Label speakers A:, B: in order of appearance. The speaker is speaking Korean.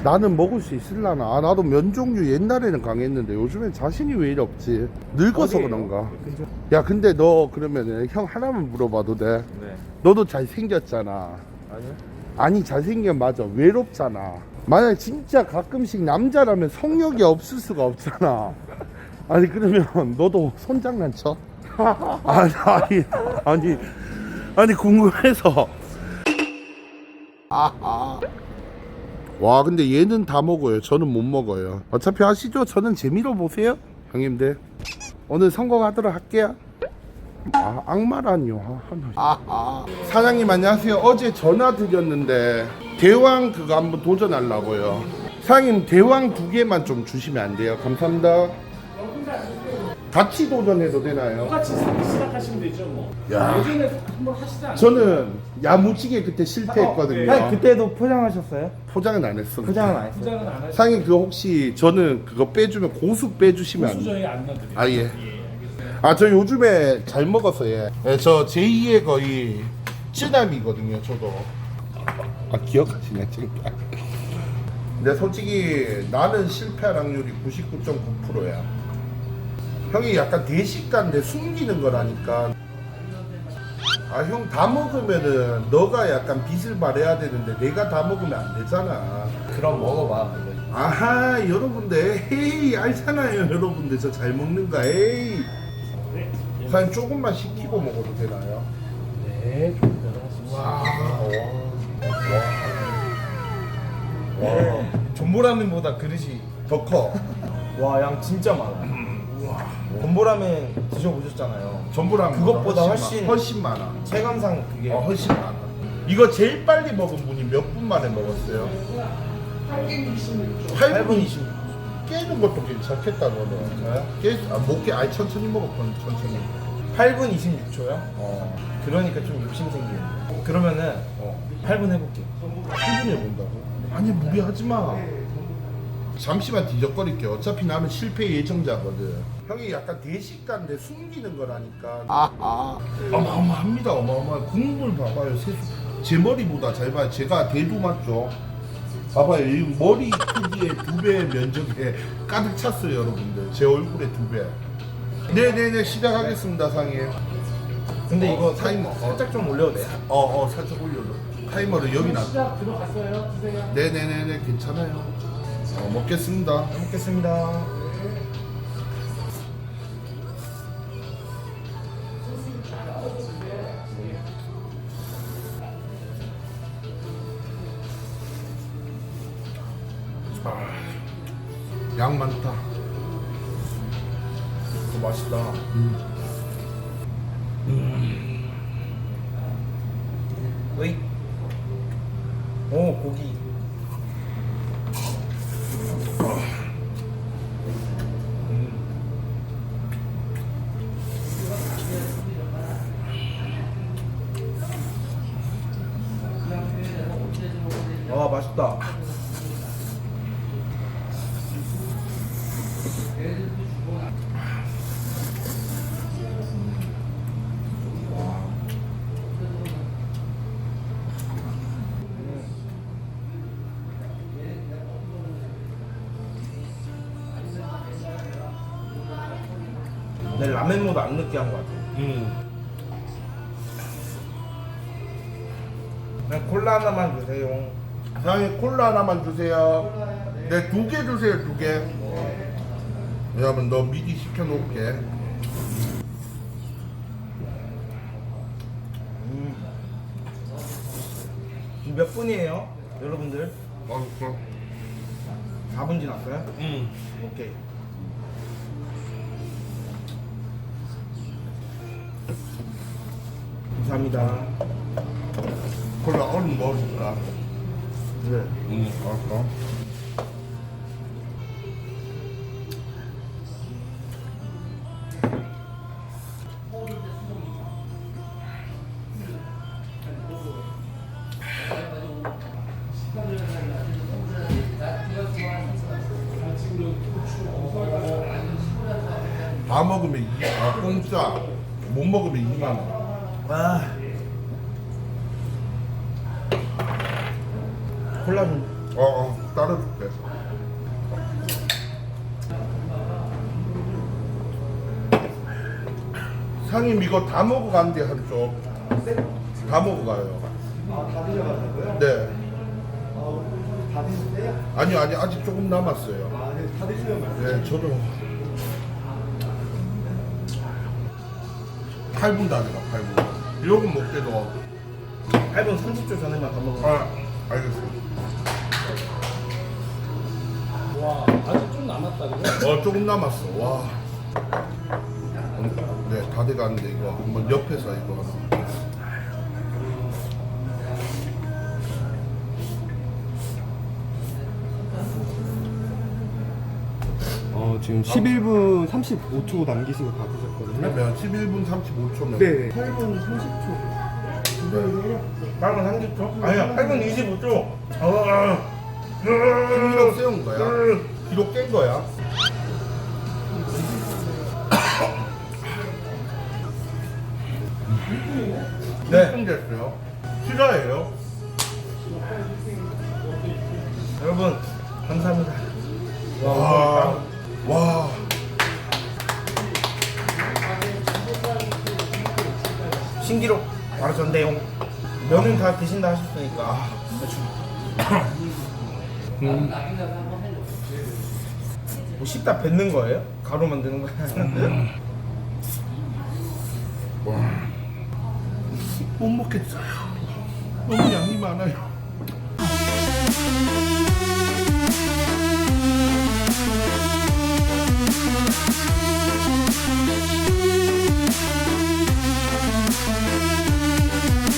A: 나는 먹을 수 있을라나. 아, 나도 면 종류 옛날에는 강했는데 요즘엔 자신이 왜 이리 없지? 늙어서
B: 어디예요?
A: 그런가?
B: 근처?
A: 야, 근데 너 그러면은 형 하나만 물어봐도 돼?
B: 네.
A: 너도 잘생겼잖아.
B: 아니요?
A: 아니, 잘생긴 맞아. 외롭잖아. 만약 진짜 가끔씩 남자라면 성욕이 없을 수가 없잖아. 아니, 그러면 너도 손장난쳐? 아니 궁금해서. 와, 근데 얘는 다 먹어요. 저는 못 먹어요. 어차피 아시죠? 저는 재미로 보세요, 형님들. 오늘 성공하도록 할게요. 아, 악마라니요. 사장님 안녕하세요. 어제 전화 드렸는데 대왕 그거 한번 도전하려고요. 사장님 대왕 2개만 좀 주시면 안 돼요? 감사합니다. 같이 도전해도 되나요?
C: 똑같이 시작하시면 되죠 뭐.
A: 야.
C: 예전에 한번 하시지 않았어요?
A: 저는 야무지게 그때 실패했거든요.
B: 아니, 그때도 포장하셨어요?
A: 포장은 안 했어.
B: 포장은 안 했어요?
C: 포장은 안 하시고
A: 사장님 그거 혹시 저는 그거 빼주면 고수 빼주시면 안
C: 고수
A: 돼요?
C: 저희 안 넣어드려요.
A: 아, 예.
C: 알겠습니다.
A: 아, 저 요즘에 잘 먹어서 저 제2의 거의 쯔남이거든요, 저도. 아, 기억하시네, 지금. 근데 솔직히 나는 실패할 확률이 99.9%야. 형이 약간 대식가인데 숨기는 거라니까. 아, 형 다 먹으면은 너가 약간 빚을 발해야 되는데 내가 다 먹으면 안 되잖아.
B: 그럼 먹어봐. 이거.
A: 아하, 여러분들, 에이, 알잖아요, 여러분들. 저 잘 먹는 거, 에이. 사장님 조금만 식히고 먹어도 되나요?
B: 네,
A: 와,
B: 전보라면보다 그릇이
A: 더 커.
B: 와, 양 진짜 많아. 전보라면 드셔보셨잖아요.
A: 전부랑
B: 그것보다
A: 훨씬 많아.
B: 체감상 그게
A: 훨씬 많아. 이거 제일 빨리 먹은 분이 몇 분 만에 먹었어요?
B: 8분 20분.
A: 깨는 것도 괜찮겠다 너는. 못 깨. 아니 천천히 먹어. 천천히.
B: 8분 26초요? 그러니까 좀 욕심 생기네. 그러면은 8분 해볼게요.
A: 1분에 본다고? 아니 무리하지 마. 잠시만 뒤적거릴게. 어차피 나는 실패 예정자거든. 형이 약간 대식가인데 숨기는 거라니까. 어마어마합니다. 어마어마. 국물 봐봐요. 제 머리보다 잘 봐요. 제가 대두 맞죠? 봐봐요. 이 머리 크기의 2배 면적에 가득 찼어요, 여러분들. 제 얼굴의 2배. 네네네, 시작하겠습니다, 상해.
B: 근데 이거
A: 타이머.
B: 살짝 좀 올려도 돼요?
A: 살짝 올려줘. 타이머를 여기 놔둬.
C: 시작 들어갔어요. 드세요.
A: 네네네네, 괜찮아요. 먹겠습니다.
B: 잘 먹겠습니다.
A: 양 많다. 맛있다.
B: 어이. 오, 고기. 아, 맛있다. 내 라면보다 안 느끼한 것 같아. 그냥 콜라 하나만 주세요.
A: 사장님 콜라 하나만 주세요. 네, 2개 주세요, 2개. 여러분, 너 미리 시켜놓을게.
B: 지금 몇 분이에요, 여러분들?
A: 그럼.
B: 4분 지났어요? 오케이. 감사합니다.
A: 콜라 얼른 먹어줄까?
B: 네.
A: 알았어. 다 먹으면 공짜. 못 먹으면 2만 원.
B: 아. 콜라 좀.
A: 어. 쭉 따라줄게. 상임 이거 다 먹어간대 한쪽. 다 먹어가요.
B: 다 드셔가지고요?
A: 네.
B: 다 드셨어요?
A: 아니요 아직 조금 남았어요.
B: 네, 다 드시면 말씀.
A: 네 저도 8분 다 돼가 8분. 요거 먹게도
B: 8분 30초 전에만 다 먹으면.
A: 알겠습니다.
C: 와 아직 좀 남았다 그죠?
A: 조금 남았어. 와. 네, 다 돼가는데 이거 한번 옆에서 이거 하나.
D: 지금 11분 35초 남기시고 다 드셨거든요.
A: 그러면 11분 35초면.
D: 네. 8분 30초.
A: 네.
B: 8분 30초? 아니야, 8분 25초.
A: 기록 세운 거야? 기록 깬 거야?
B: 네.
A: 네. 됐어요. 실화예요?
B: 여러분, 감사합니다.
A: 와.
B: 신기록 바로 전대용. 면은 다 드신다 하셨으니까. 뭐 씹다 뱉는 거예요? 가루 만드는 거야?
A: 와. 못 먹겠어요. 너무 양이 많아요.